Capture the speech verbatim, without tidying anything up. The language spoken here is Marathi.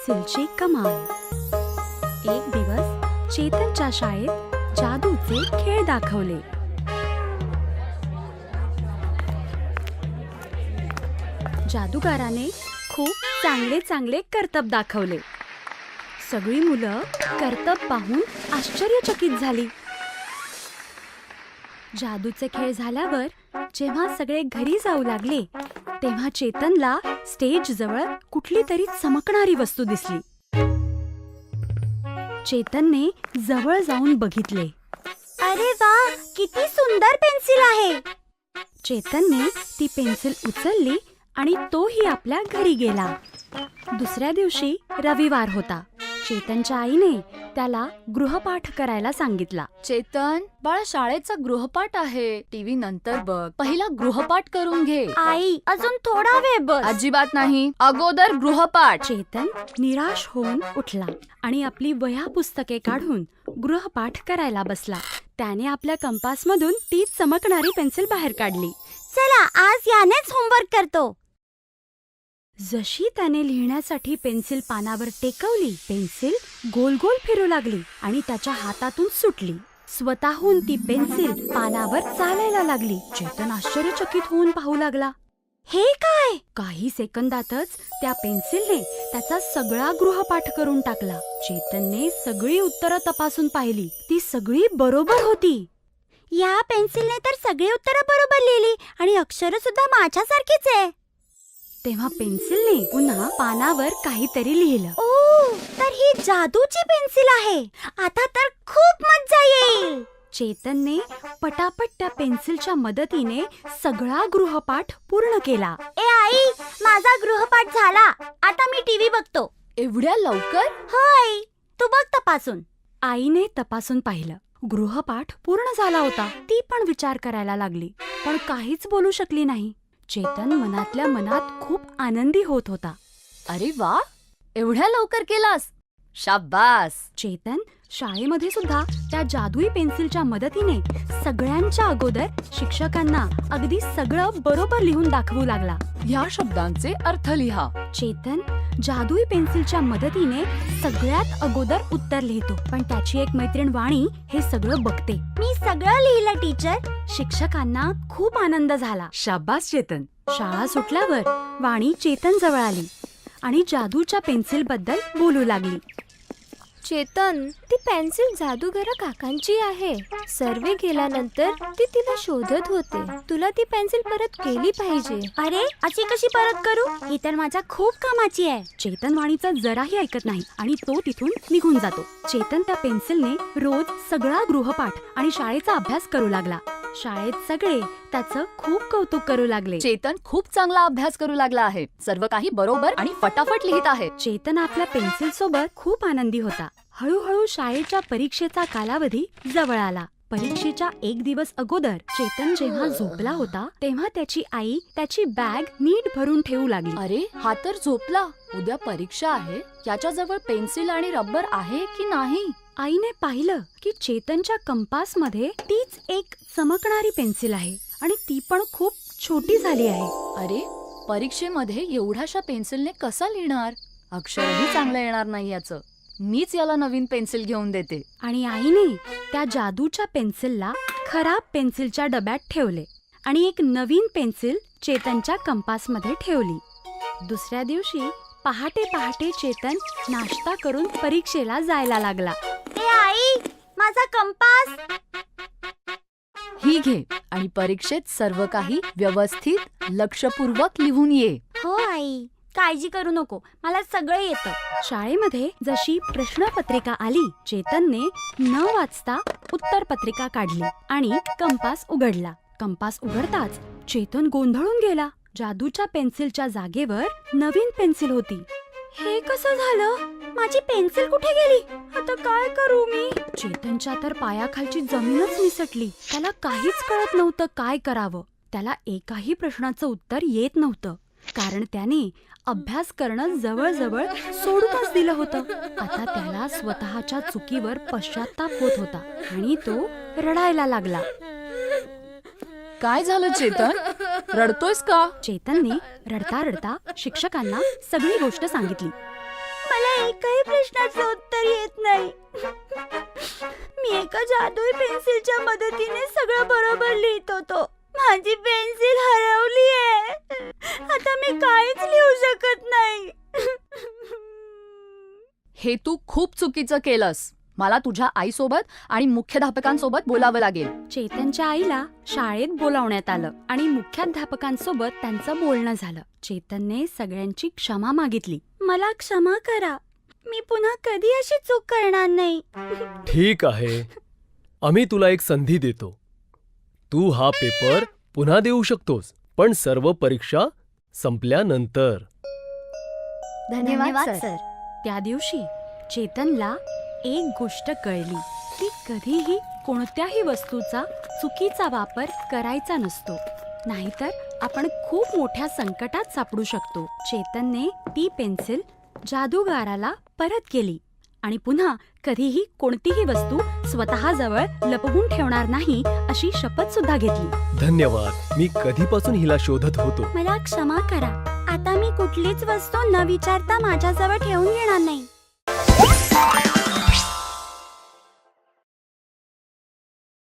पेन्सिलची कमाल. एक दिवस चेतनच्या शाळेत जादूचे खेळ दाखवले. जादूगाराने खूप चांगले चांगले करतब दाखवले. सगळी मुलं करतब पाहून आश्चर्यचकित झाली. जादूचे खेळ झाल्यावर जेव्हा सगळे घरी जाऊ लागले तेव्हा चेतनला स्टेज जवळ कुठली तरी चमकणारी वस्तू दिसली. चेतनने जवळ जाऊन बघितले. अरे वा, किती सुंदर पेन्सिल आहे. चेतनने ती पेन्सिल उचलली आणि तोही आपल्या घरी गेला. दुसऱ्या दिवशी रविवार होता. चेतनच्या आईने त्याला गृहपाठ करायला सांगितला. चेतन, बाळा, शाळेचा गृहपाठ आहे. टीव्ही नंतर बघ, पहिला गृहपाठ करून घे. आई, अजून थोडा वेळ बस. अजिबात नाही, अगोदर गृहपाठ. चेतन निराश होऊन उठला आणि आपली वह्या पुस्तके काढून गृहपाठ करायला बसला. त्याने आपल्या कंपासमधून ती चमकणारी पेन्सिल बाहेर काढली. चला, आज यानेच होमवर्क करतो. जशी त्याने लिहिण्यासाठी पेन्सिल पानावर टेकवली, पेन्सिल गोल गोल फिरू लागली आणि त्याच्या हातातून सुटली. स्वतःहून ती पेन्सिल पानावर चालायला लागली. चेतन आश्चर्यचकित होऊन पाहू लागला. हे काय? काही सेकंदातच त्या पेन्सिलने त्याचा सगळा गृहपाठ करून टाकला. चेतनने सगळी उत्तरं तपासून पाहिली. ती सगळी बरोबर होती. या पेन्सिलने तर सगळी उत्तरं बरोबर लिहिली आणि अक्षर सुद्धा माझ्यासारखीच आहे. तेव्हा पेन्सिलने पुन्हा पानावर काहीतरी लिहिलं. ओ, तर ही जादूची पेन्सिल आहे. आता तर खूप मज्जा येईल. चेतनने पटापट त्या पेन्सिलच्या मदतीने सगळा गृहपाठ पूर्ण केला. ए आई, माझा गृहपाठ झाला. आता मी टीव्ही बघतो. एवढ्या लवकर? होय, तू बघ तपासून. आईने तपासून पाहिलं. गृहपाठ पूर्ण झाला होता. ती पण विचार करायला लागली, पण काहीच बोलू शकली नाही. चेतन मनातल्या मनात खूप आनंदी होत होता. अरे वा, एवढ्या लवकर केलास, शाबास. चेतन शाळेमध्ये सुद्धा त्या जादुई पेन्सिलच्या मदतीने सगळ्यांच्या अगोदर शिक्षकांना अगदी सगळं बरोबर लिहून दाखवू लागला. ह्या शब्दांचे अर्थ लिहा. चेतन जादुई पेन्सिलच्या मदतीने सगळ्यात अगोदर उत्तर लिहितो, पण त्याची एक मैत्रीण वाणी हे सगळं बघते. मी सगळं लिहिलं टीचर. शिक्षकांना खूप आनंद झाला. शाबास चेतन. शाळा सुटल्यावर वाणी चेतन जवळ आली आणि जादूच्या पेन्सिल बद्दल बोलू लागली. चेतन, ती पेन्सिल जादूगारा काकांची आहे. सर्वे गेल्यानंतर ती तिला शोधत होते. तुला ती पेन्सिल परत केली पाहिजे. अरे, अशी कशी परत करू? ही तर माझ्या खूप कामाची आहे. चेतन वाणीचं जराही ऐकत नाही आणि तो तिथून निघून जातो. चेतन त्या पेन्सिलने रोज सगळा गृहपाठ आणि शाळेचा अभ्यास करू लागला. शाळेत सगळे त्याचं खूप कौतुक करू लागले. चेतन खूप चांगला अभ्यास करू लागला आहे. सर्व काही बरोबर आणि फटाफट लिहित आहे. चेतन आपल्या पेन्सिल सोबत खूप आनंदी होता. हळूहळू शाळेच्या परीक्षेचा कालावधी जवळ आला. परीक्षेच्या एक दिवस अगोदर चेतन जेव्हा झोपला होता तेव्हा त्याची आई त्याची बॅग नीट भरून ठेवू लागली. अरे, हा तर झोपला. उद्या परीक्षा आहे. याच्याजवळ पेन्सिल आणि रबर आहे की नाही? आईने पाहिलं की चेतनच्या कंपास मध्ये तीच एक चमकणारी पेन्सिल आहे आणि ती पण खूप छोटी झाली आहे. अरे, परीक्षेमध्ये एवढ्याशा पेन्सिलने कसा लिहिणार? अक्षरही चांगलं येणार नाही याचं. मीच याला नवीन पेन्सिल घेऊन देते. आणि आईने त्या जादूच्या पेन्सिलला खराब पेन्सिलच्या डब्यात ठेवले आणि एक नवीन पेन्सिल चेतनच्या कंपासमध्ये ठेवली. दुसऱ्या दिवशी पहाटे पहाटे चेतन नाश्ता करून परीक्षेला जायला लागला. ए आई, माझा कंपास. ही घे आणि परीक्षेत सर्व काही व्यवस्थित लक्षपूर्वक लिहून ये. हो आई, काळजी करू नको, मला सगळं येतं. शाळेमध्ये जशी प्रश्नपत्रिका आली, चेतनने न वाचता उत्तरपत्रिका काढली आणि कंपास उघडला. कंपास उघडताच चेतन गोंधळून गेला. जादूच्या पेन्सिलच्या जागेवर नवीन पेन्सिल होती. हे कसं झालं? माझी पेन्सिल कुठे गेली? आता काय करू मी? चेतनच्या तर पायाखालची जमीनच निसटली. त्याला काहीच कळत नव्हतं काय करावं. त्याला एकाही प्रश्नाचं उत्तर येत नव्हतं, कारण त्याने अभ्यास करणं जवळजवळ सोडूनच दिलं होतं. आता त्याला स्वतःच्या चुकीवर पश्चाताप होत होता आणि तो रडायला लागला. काय झालं चेतन? रडतोयस का? चेतनने रडता रडता शिक्षकांना सगळी गोष्ट सांगितली. मला एकही प्रश्नाचं उत्तर येत नाही. मी एका जादुई पेन्सिलच्या मदतीने सगळं बरोबर लिहित होतो. माझी पेन्सिल हरवली आहे. आता मी काहीच लिहू शकत नाही. हे तू खूप चुकीचं केलंस. मला तुझ्या आईसोबत आणि मुख्याध्यापकांसोबत बोलावं लागेल. चेतनच्या आईला शाळेत बोलावण्यात आलं आणि मुख्याध्यापकांसोबत त्यांचं बोलणं झालं. चेतनने सगळ्यांची क्षमा मागितली. मला क्षमा करा. मी पुन्हा कधी अशी चूक करणार नाही. ठीक आहे, आम्ही तुला एक संधी देतो. तू हा पेपर पुन्हा देऊ शकतोस, पण सर्व परीक्षा संपल्यानंतर. धन्यवाद सर. त्या दिवशी चेतनला एक गोष्ट कळली की कधीही कोणत्याही वस्तूचा चुकीचा वापर करायचा नसतो, नाहीतर आपण खूप मोठ्या संकटात सापडू शकतो. चेतनने ती पेन्सिल जादूगाराला परत केली आणि पुन्हा कधीही कोणतीही वस्तू स्वतःजवळ लपवून ठेवणार नाही अशी शपथ सुद्धा घेतली. धन्यवाद. मी कधीपासून हिला शोधत होतो. मला क्षमा करा. आता मी कुठलीच वस्तू न विचारता माझ्याजवळ ठेवून घेणार नाही.